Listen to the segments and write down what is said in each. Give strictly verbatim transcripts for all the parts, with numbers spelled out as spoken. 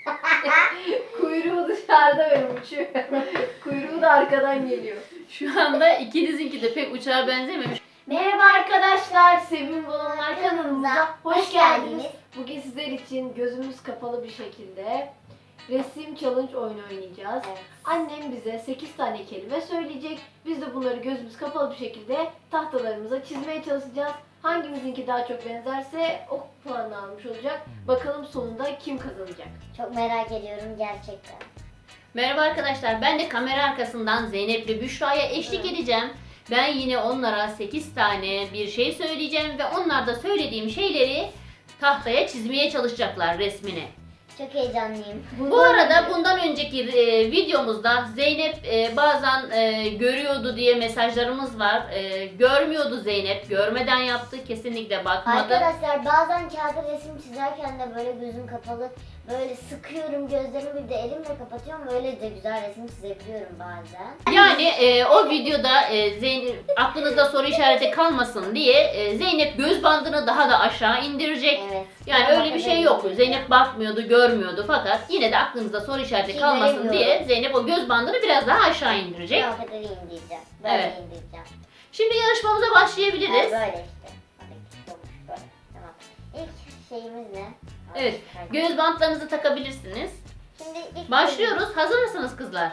Kuyruğu dışarıda böyle uçuyor. Kuyruğu da arkadan geliyor. Şu anda ikinizinki de pek uçağa benzememiş. Merhaba arkadaşlar, Sevim Balonlar kanalımıza hoş geldiniz. Bugün sizler için gözümüz kapalı bir şekilde resim challenge oyunu oynayacağız. Evet. Annem bize sekiz tane kelime söyleyecek. Biz de bunları gözümüz kapalı bir şekilde tahtalarımıza çizmeye çalışacağız. Hangimizinki daha çok benzerse o puanı almış olacak. Bakalım sonunda kim kazanacak? Çok merak ediyorum gerçekten. Merhaba arkadaşlar, ben de kamera arkasından Zeynep ve Büşra'ya eşlik Evet. edeceğim. Ben yine onlara sekiz tane bir şey söyleyeceğim ve onlar da söylediğim şeyleri tahtaya çizmeye çalışacaklar, resmini. Çok heyecanlıyım. Bu arada bundan önceki e, videomuzda Zeynep e, bazen e, görüyordu diye mesajlarımız var. E, görmüyordu Zeynep, görmeden yaptı, kesinlikle bakmadı. Arkadaşlar bazen kağıda resim çizerken de böyle gözüm kapalı böyle sıkıyorum gözlerimi, bir de elimle kapatıyorum, öyle de güzel resim çizebiliyorum bazen. Yani e, o videoda e, Zeynep, aklınızda soru işareti kalmasın diye e, Zeynep göz bandını daha da aşağı indirecek. Evet. Yani Ama öyle bir şey bakın yok. öyle Zeynep bakmıyordu, görmüyordu fakat yine de aklınızda soru işareti Ki kalmasın göremiyorum. diye Zeynep o göz bandını biraz daha aşağı indirecek. Ben o kadar indireceğim. Böyle Evet. indireceğim. Şimdi yarışmamıza başlayabiliriz. Yani böyle işte. Hadi, olmuş böyle. Tamam. İlk şeyimiz ne? Evet, Hadi. göz bantlarınızı takabilirsiniz. Şimdi ilk Başlıyoruz. Hazır mısınız kızlar?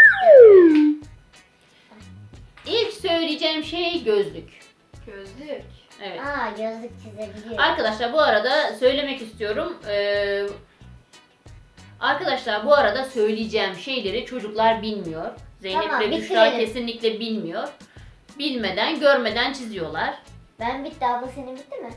İlk söyleyeceğim şey gözlük. Gözlük. Evet. Aa, gözlük çizebiliyorum. Arkadaşlar bu arada söylemek istiyorum. Ee, arkadaşlar bu arada söyleyeceğim şeyleri çocuklar bilmiyor. Zeynep Tamam, ve Büşra bitirelim. kesinlikle bilmiyor. Bilmeden, görmeden çiziyorlar. Ben bitti, abla senin bitti mi?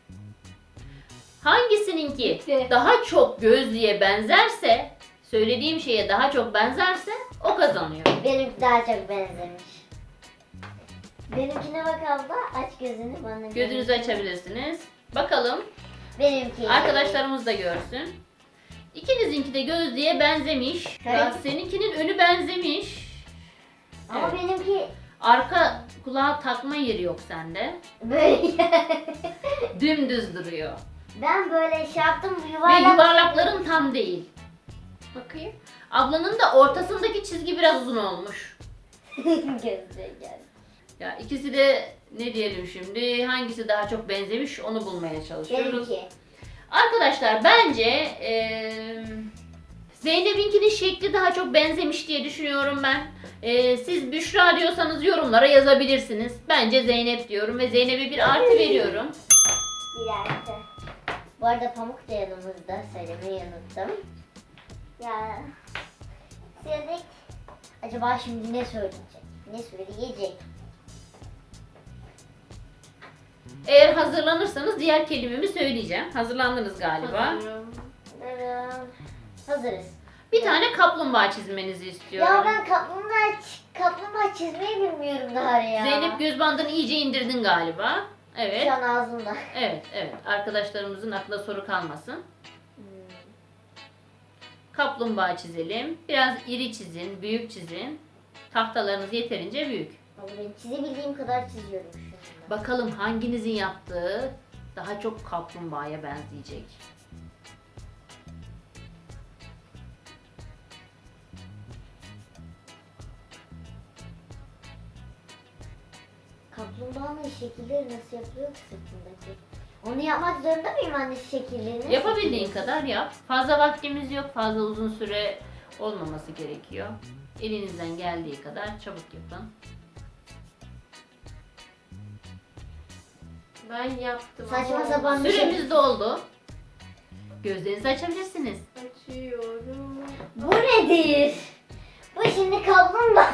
Hangisininki Bitti. daha çok gözlüğe benzerse, söylediğim şeye daha çok benzerse o kazanıyor. Benimki daha çok benzemiş. Benimkine bak abla, aç gözünü bana. Gözünüzü açabilirsiniz. Bakalım Benimki. arkadaşlarımız da görsün. İkinizinki de gözlüğe benzemiş. Evet. Ya seninkinin önü benzemiş. Ama Evet. benimki Arka kulağa takma yeri yok sende. böyle. Dümdüz duruyor. Ben böyle şey yaptım, Ve yuvarlak. yuvarlakların tam değil. Bakayım. Ablanın da ortasındaki çizgi biraz uzun olmuş. Gözlüğe geldi. Ya ikisi de ne diyelim şimdi, hangisi daha çok benzemiş onu bulmaya çalışıyoruz. Benimki. Arkadaşlar bence eee Zeynep'inkinin şekli daha çok benzemiş diye düşünüyorum ben. Eee, siz Büşra diyorsanız yorumlara yazabilirsiniz. Bence Zeynep diyorum ve Zeynep'e bir artı veriyorum. Bir dakika. Bu arada Pamuk da yanımızda, söylemeyi unuttum. Ya. Söyledik. Acaba şimdi ne söyleyecek? Ne söyleyecek? Eğer hazırlanırsanız diğer kelimemi söyleyeceğim. Hazırlandınız galiba. Hazırım. Hazırım. Hazırız. Bir tane kaplumbağa çizmenizi istiyorum. Ya ben kaplumbağa, ç- kaplumbağa çizmeyi bilmiyorum daha ya. Zeynep göz bandını iyice indirdin galiba. Evet. Şu an ağzımda. Evet, evet. Arkadaşlarımızın aklına soru kalmasın. Hmm. Kaplumbağa çizelim. Biraz iri çizin, büyük çizin. Tahtalarınız yeterince büyük. Ama ben çizebildiğim kadar çiziyorum şu anda. Bakalım hanginizin yaptığı daha çok kaplumbağaya benzeyecek. Kaplumbağanın şekilleri nasıl yapılıyor ki sırtındaki? Onu yapmak zorunda mıyım anne, şekillerini? Yapabildiğin kadar yap. Fazla vaktimiz yok. Fazla uzun süre olmaması gerekiyor. Elinizden geldiği kadar çabuk yapın. Ben yaptım. Saçma ama sapan bir şey. Süremiz doldu. Gözlerinizi açabilirsiniz. Açıyorum. Bu nedir? Bu şimdi kaplumbağa.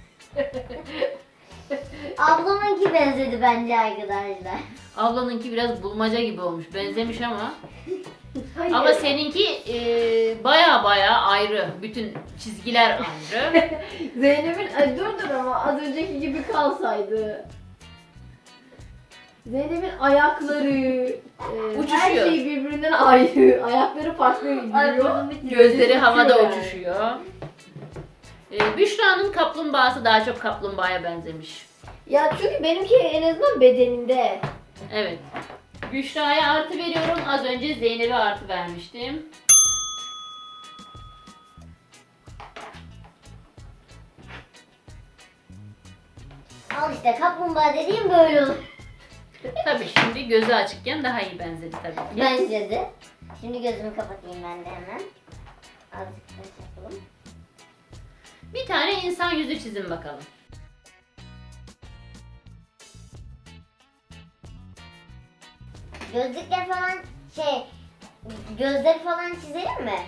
Ablamınki benzedi bence arkadaşlar. Ablanınki biraz bulmaca gibi olmuş. Benzemiş ama. Hayır. Ama seninki e, baya baya ayrı. Bütün çizgiler ayrı. Zeynep'in ay dur dur ama az önceki gibi kalsaydı. Zeynep'in ayakları, e, her Uçuşuyor. şey birbirinden ayrı. Ayakları farklı gidiyor. Gözleri havada yani. uçuşuyor. E, Büşra'nın kaplumbağası daha çok kaplumbağaya benzemiş. Ya çünkü benimki en azından bedeninde. Evet. Büşra'ya artı veriyorum. Az önce Zeynep'e artı vermiştim. Al işte kaplumbağa dediğim böyle olur. Tabii şimdi gözü açıkken daha iyi benzedi tabii ki. Bence de. Şimdi gözümü kapatayım ben de hemen. Azıcık da yapalım. Bir tane insan yüzü çizin bakalım. Gözlükler falan şey, gözleri falan çizelim mi?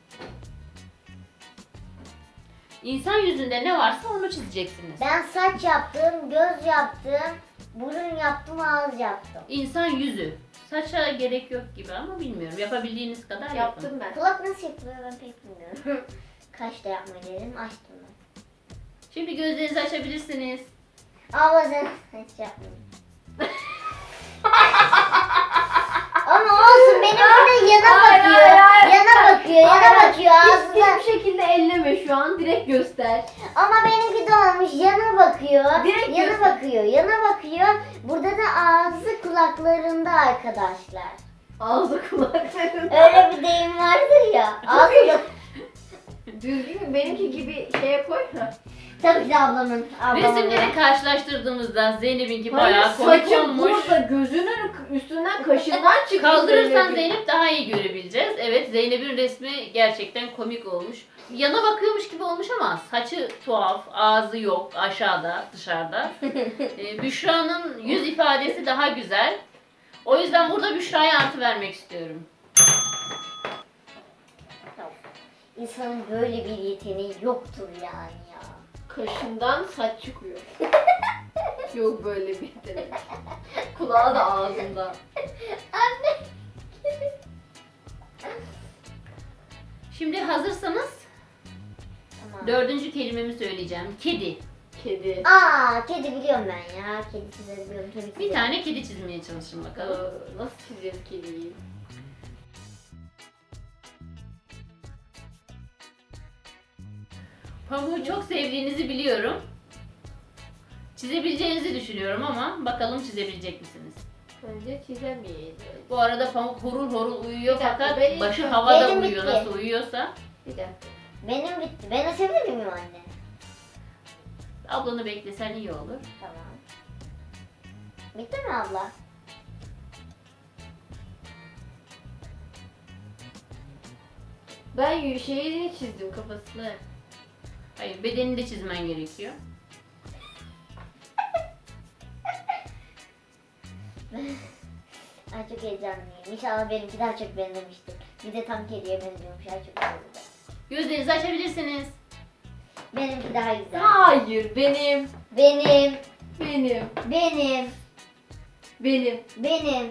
İnsan yüzünde ne varsa onu çizeceksiniz. Ben saç yaptım, göz yaptım, burun yaptım, ağız yaptım. İnsan yüzü. Saça gerek yok gibi ama bilmiyorum. Yapabildiğiniz kadar yapın. Yaptım ben. Kulak nasıl yapılıyor ben pek bilmiyorum. Kaş da yapmayı dedim, açtım ben. Şimdi gözlerinizi açabilirsiniz. Abla sen hiç yapmadım. Ama olsun benim burada yana Hayır, bakıyor. hayır, hayır. Yana bakıyor, yana Aynen. bakıyor ağzına. Hiçbir şekilde elleme şu an. Direkt göster. Ama benimki de olmuş yana bakıyor. Direkt yana göster. bakıyor, yana bakıyor. Burada da ağzı kulaklarında arkadaşlar. Ağzı kulaklarında. Öyle bir deyim vardır ya. Ağzı Düzgün benimki gibi şeye koy. tabii ki de ablamın. ablamın. Resimleri karşılaştırdığımızda Zeynep'inki Hayır, bayağı komik saçı olmuş. burada gözünün üstünden kaşından çıkmış. Kaldırırsan Zeynep'in. Zeynep daha iyi görebileceğiz. Evet, Zeynep'in resmi gerçekten komik olmuş. Yana bakıyormuş gibi olmuş ama saçı tuhaf, ağzı yok, aşağıda, dışarıda. Ee, Büşra'nın yüz ifadesi daha güzel. O yüzden burada Büşra'ya artı vermek istiyorum. İnsanın böyle bir yeteneği yoktur yani ya. Kaşından saç çıkıyor. Yok böyle bir yetenek. Kulağı da ağzında. Anne. Şimdi hazırsanız Tamam. dördüncü kelimemi söyleyeceğim. Kedi. Kedi. Aa, kedi biliyorum ben ya. Kedi çizebiliyorum tabii ki. Bir de. tane kedi çizmeye çalışın Ee, bakalım. nasıl çizeceğiz kediyi? Pamuğu çok sevdiğinizi biliyorum. Çizebileceğinizi düşünüyorum ama bakalım çizebilecek misiniz? Bence çizemeyiz. Bu arada Pamuk horul horul uyuyor Bir dakika, fakat benim- başı havada benim uyuyor bitti. nasıl uyuyorsa. Bir dakika. Benim bitti. Ben açabilir miyim anne? Ablanı beklesen iyi olur. Tamam. Bitti mi abla? Ben y- şeyini çizdim kafasını. Hayır, bedenini de çizmen gerekiyor. Ay çok heyecanlıyım. İnşallah benimki daha çok benzemiştir. Bir de tam kediye benziyormuş. Ay çok güzel. Gözlerinizi açabilirsiniz. Benimki daha güzel. Hayır benim. Benim, Benim. benim, Benim. benim.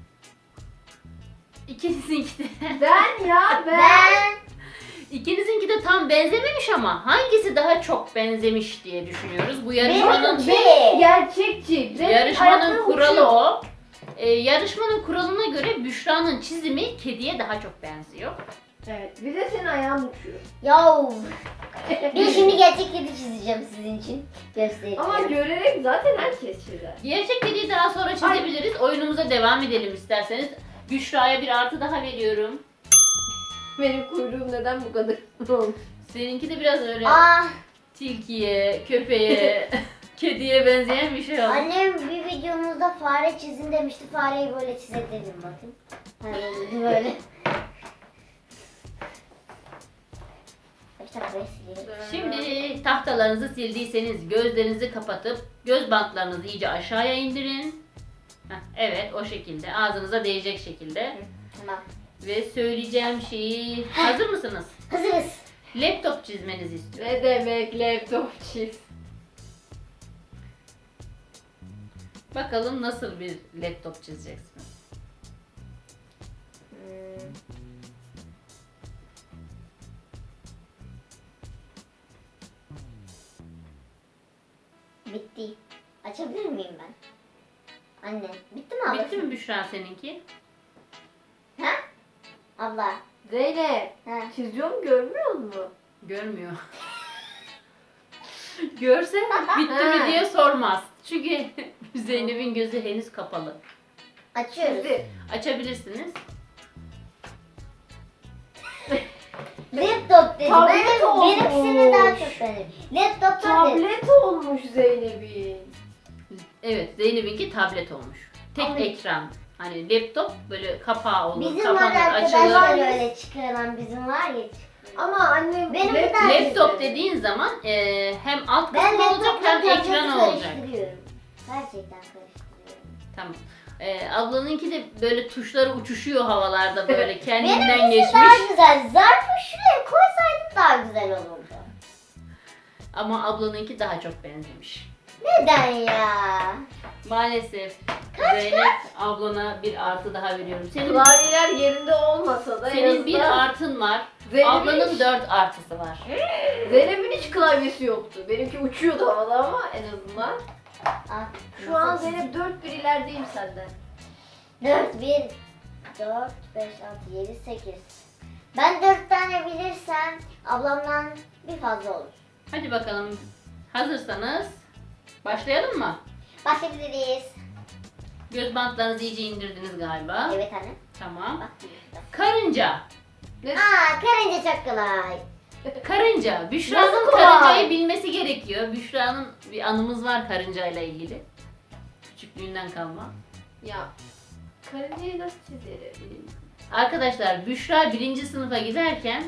İkinizinki de. Ben ya ben. Ben. İkinizinki de tam benzememiş ama hangisi daha çok benzemiş diye düşünüyoruz. Bu yarışmanın Benimki. Gerçekçi. Benim yarışmanın ayaklarım kuralı uçuyor. o. Ee, yarışmanın kuralına göre Büşra'nın çizimi kediye daha çok benziyor. Evet. Bir de senin ayağın uçuyor. Yav. Ben şimdi gerçek kedi çizeceğim sizin için. Göstereyim. Ama görerek zaten herkes çizer. Gerçek kediyi daha sonra çizebiliriz. Oyunumuza devam edelim isterseniz. Büşra'ya bir artı daha veriyorum. Benim kuyruğum neden bu kadar olmuş? Seninki de biraz öyle Ah, tilkiye, köpeğe, kediye benzeyen bir şey oldu. annem bir videomuzda fare çizin demişti. Fareyi böyle çizelim bakın. Hani böyle. İşte burayı silelim. Şimdi tahtalarınızı sildiyseniz gözlerinizi kapatıp göz bantlarınızı iyice aşağıya indirin. Heh, evet o şekilde ağzınıza değecek şekilde. Tamam. Ve söyleyeceğim şeyi hazır mısınız? Hazırız. Laptop çizmenizi istiyorum. Ne demek laptop çiz? Bakalım nasıl bir laptop çizeceksiniz. Hmm. Bitti. Açabilir miyim ben? Anne, bitti mi abla? Bitti mi Büşra seninki? Ha? Abla. Zeynep. Ha. Çiziyorum görmüyor musun? Görmüyor. Görse bitti mi diye sormaz. Çünkü Zeynep'in gözü henüz kapalı. Açıyoruz. Çizdi. Açabilirsiniz. Laptop dedi. Tablet Benim, olmuş. benimkisine daha çok benim. Laptop tablet. Tablet olmuş Zeynep'in. Evet, Zeynep'inki tablet olmuş. Tek Ama- ekran. Hani laptop böyle kapağı olur, Bizim var kapanır, arkadaşlar açılır. böyle çıkarılan bizim var ya. Ama annem Benim lap- bir tane- Laptop dediğin zaman e, hem alt Ben kısmı olacak laptopla hem tableti ekran olacak. karıştırıyorum. Gerçekten karıştırıyorum. Tamam. E, ablanınki de böyle tuşları uçuşuyor havalarda böyle kendinden Benimkisi geçmiş. daha güzel. Zarfı şuraya koysaydım daha güzel olurdu. Ama ablanınki daha çok benzemiş. Neden ya? Maalesef Zeynep ablana bir artı daha veriyorum. Senin klavyeler yerinde olmasa da en senin bir azından artın var. Zeynep'in Ablanın hiç- dört artısı var. Zeynep'in hiç klavyesi yoktu. Benimki uçuyordu havada ama en azından. Ah, Şu an nasıl Zeynep dört bir ilerideyim senden. dört, bir, dört, beş, altı, yedi, sekiz. Ben dört tane bilirsem ablamdan bir fazla olur. Hadi bakalım. Hazırsanız başlayalım mı? Başlayabiliriz. Göz bantlarınızı iyice indirdiniz galiba. Evet anne. Tamam. Bak. Karınca. Ne? Aa, karınca çok kolay. Karınca. Büşra'nın Nasıl kolay? karıncayı bilmesi gerekiyor. Büşra'nın bir anımız var karıncayla ilgili. Küçüklüğünden kalma. Ya karıncayı nasıl çizerim? Arkadaşlar Büşra birinci sınıfa giderken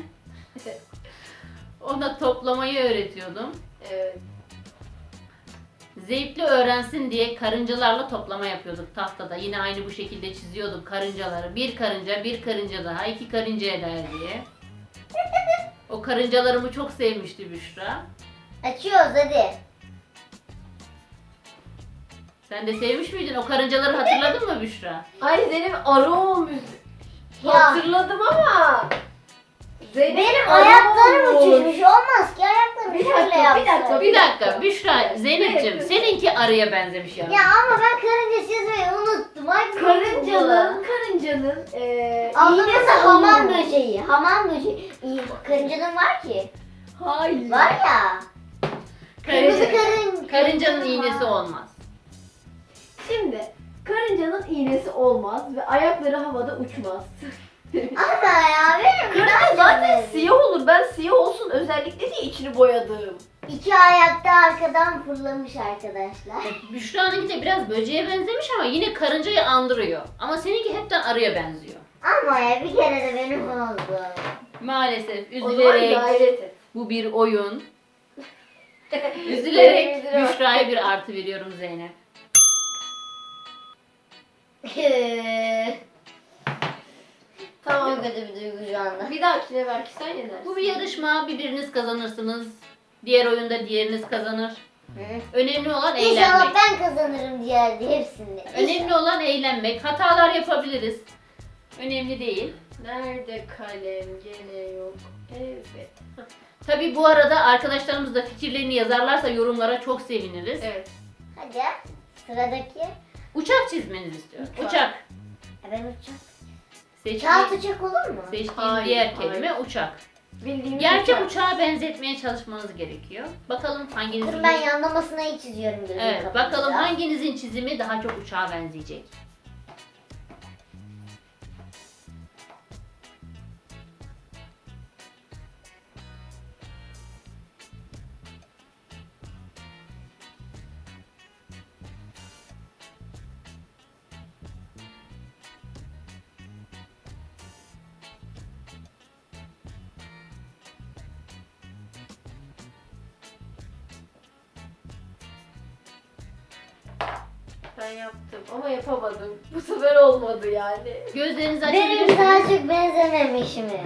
ona toplamayı öğretiyordum. Evet. Zevkli öğrensin diye karıncalarla toplama yapıyorduk tahtada. Yine aynı bu şekilde çiziyorduk karıncaları. Bir karınca, bir karınca daha, iki karınca eder diye. O karıncalarımı çok sevmişti Büşra. Açıyoruz hadi. Sen de sevmiş miydin? O karıncaları hatırladın mı Büşra? Ay Zeynep arı olmuş. Ya. Hatırladım ama. Zeynep Benim arı ayaklarım olmuş. uçuşmuş. Olmaz ki ayaklarım Bir şöyle dakika, yapsın. bir dakika, Bir dakika Büşra, Zeynep'ciğim Evet. seninki arıya benzemiş ya. Ya ama ben karınca çizmeyi unuttum. Hadi Karıncanın, karıncanın eee Ablamın iğnesi da hamam olmuş. böceği. Hamam böceği. İyi, karıncanın var ki. Hayır. Var ya. Kırmızı Karınca, karın. karıncanın karıncanın iğnesi var. olmaz. Şimdi karıncanın iğnesi olmaz ve ayakları havada uçmaz. Ama ya benim Karınca zaten siyah. siyah olur. Ben siyah olsun özellikle diye içini boyadım. İki ayakta arkadan fırlamış arkadaşlar. Büşra'nınki de biraz böceğe benzemiş ama yine karıncayı andırıyor. Ama seninki hepten arıya benziyor. Ama ya bir kere de benim oldu. Maalesef O zaman üzülerek gayret et. bu bir oyun. Üzülerek Üzülerek. Büşra'ya bir artı veriyorum Zeynep. Tamam. Çok kötü bir duygu şu anda. Bir dahakine belki sen yenersin. Bu bir yarışma. Biriniz kazanırsınız. Diğer oyunda diğeriniz kazanır. Önemli olan İnşallah eğlenmek. ben kazanırım diğer hepsinde. Önemli olan eğlenmek. Hatalar yapabiliriz. Önemli değil. Nerede kalem gene yok. Evet. Tabii bu arada arkadaşlarımız da fikirlerini yazarlarsa yorumlara çok seviniriz. Evet. Hadi sıradaki. Uçak çizmenizi istiyorum. Uçak. Uçak. Ha, ben uçak. Seçtiğim, Kağıt uçak olur mu? seçtiğim Hayır, diğer hayır. kelime uçak. Bildiğimiz Gerçek uçak. uçağa benzetmeye çalışmanız gerekiyor. Bakalım hanginizin Dur ben yanlamasına iyi çiziyorum gözümü Evet, kapatacağım. bakalım hanginizin çizimi daha çok uçağa benzeyecek. Ben yaptım ama yapamadım. Bu sefer olmadı yani. Gözlerinizi Benim açabilirsiniz. daha çok benzememiş mi?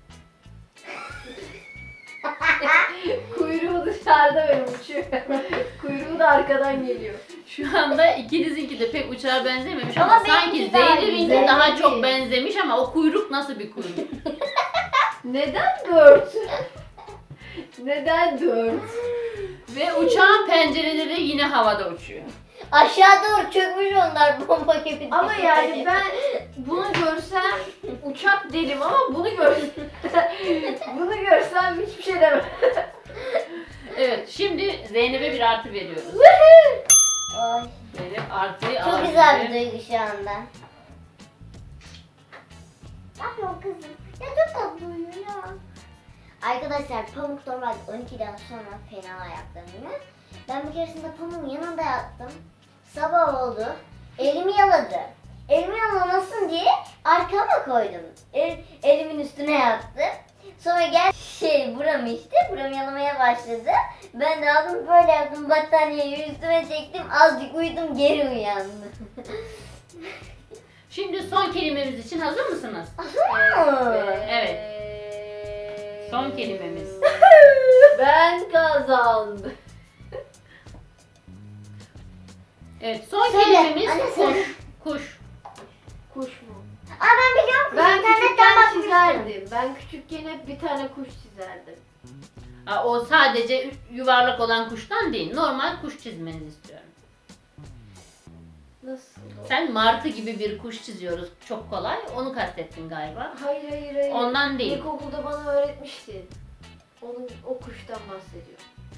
Kuyruğu dışarıda benim uçuyor. Kuyruğu da arkadan geliyor. Şu anda ikinizinki de pek uçağa benzememiş ama, Ama sanki benimki daha Zeynep'inki güzel. daha çok benzemiş ama o kuyruk nasıl bir kuyruk? Neden dört? Neden dört? Ve uçağın pencereleri yine havada uçuyor. Aşağı doğru çökmüş onlar bomba gibi. Ama yani ben bunu görsem uçak derim ama bunu görsem bunu görsem hiçbir şey demem. Evet, şimdi Zeynep'e bir artı veriyoruz. Ay, Zeynep artıyı çok alabilir. güzel bir duygu şu anda. Ne yapıyorsun kızım? Ya çok tatlı uyuyor ya. Arkadaşlar Pamuk normalde on ikiden sonra fena ayaklanıyor. Ben bir keresinde Pamuk'un yanında yattım. Sabah oldu. Elimi yaladı. Elimi yalamasın diye arkama koydum. El, elimin üstüne yattı. Sonra gel şey buramı işte buramı yalamaya başladı. Ben de aldım böyle yaptım battaniyeyi üstüme çektim. Azıcık uyudum geri uyandım. Şimdi son kelimemiz için hazır mısınız? Evet. Son kelimemiz. Ben kazandım. Evet, son Söyle, kelimemiz anne kuş. söyle. Kuş. Kuş mu? Aa ben biliyorum ki Ben internetten küçükken bakmıştım. çizerdim. Ben küçükken hep bir tane kuş çizerdim. Ha, o sadece yuvarlak olan kuştan değil. Normal kuş çizmenizi istiyorum. Nasıl? o? Sen martı gibi bir kuş çiziyoruz. Çok kolay. Onu kastettin galiba. Hayır hayır hayır. Ondan değil. İlkokulda bana öğretmiştin. Onun, o kuştan bahsediyor.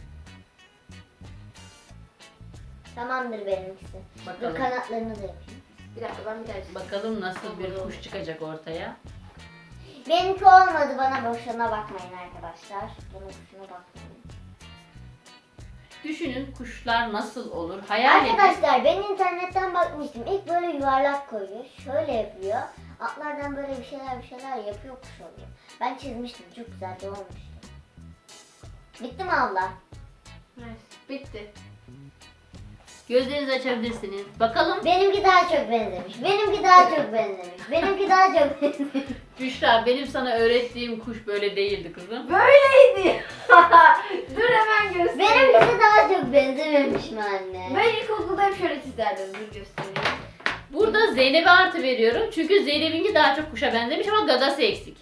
Tamamdır benimkisi. Dur Bakalım. kanatlarını da yapayım. Bir dakika ben bir daha çizeyim. Bakalım nasıl bir kuş çıkacak ortaya. Benimki olmadı bana boşuna bakmayın arkadaşlar. Bana boşuna bakmayın. Düşünün kuşlar nasıl olur? Hayal edin. Arkadaşlar ben internetten bakmıştım. İlk böyle yuvarlak koyuyor. Şöyle yapıyor. Atlardan böyle bir şeyler bir şeyler yapıyor kuş oluyor. Ben çizmiştim. Çok güzel de olmuştu. Bitti mi abla? Neyse, bitti. Gözlerinizi açabilirsiniz. Bakalım Benimki daha çok benzemiş. Benimki daha çok benzemiş. Benimki daha çok benzemiş. Büşra, benim sana öğrettiğim kuş böyle değildi kızım. Böyleydi. Dur hemen göstereyim. Benimkisi daha çok benzememiş mi anne? Ben ilkokulda hep şöyle çizerdim. Dur göstereyim. Burada Zeynep'e artı veriyorum. Çünkü Zeynep'inki daha çok kuşa benzemiş ama gagası eksik.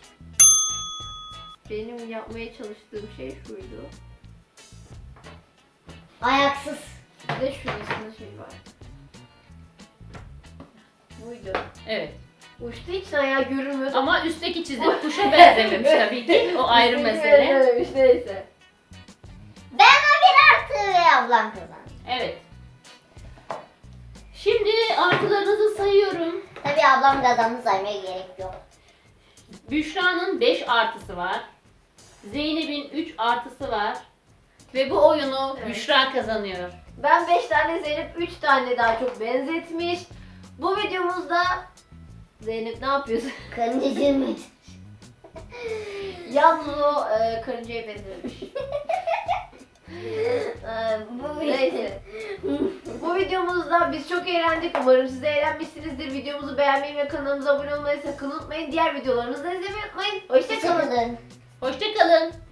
Benim yapmaya çalıştığım şey şuydu. Ayaksız. Bir de şurasında şey var. Buydu. Evet. Uçtu hiç ayağı görünmüyordu. Ama üstteki çizim kuşa benzememiş tabii ki. O ayrı Üstteki mesele. görünmemiş, neyse. Ben o bir artı ve ablam kazandı. Evet. Şimdi artılarınızı sayıyorum. Tabii ablam kazandı saymaya gerek yok. Büşra'nın beş artısı var. Zeynep'in üç artısı var. Ve bu oyunu Evet. Büşra kazanıyor. Ben beş tane Zeynep üç tane daha çok benzetmiş. Bu videomuzda Zeynep ne yapıyorsun? Karıncacığım. Yalnız o e, karıncaya benzemiş. Ee, bu Neyse. Bu videomuzda biz çok eğlendik. Umarım siz de eğlenmişsinizdir. Videomuzu beğenmeyi ve kanalımıza abone olmayı sakın unutmayın. Diğer videolarımızı da izlemeyi unutmayın. Hoşçakalın. Hoşçakalın. Hoşçakalın.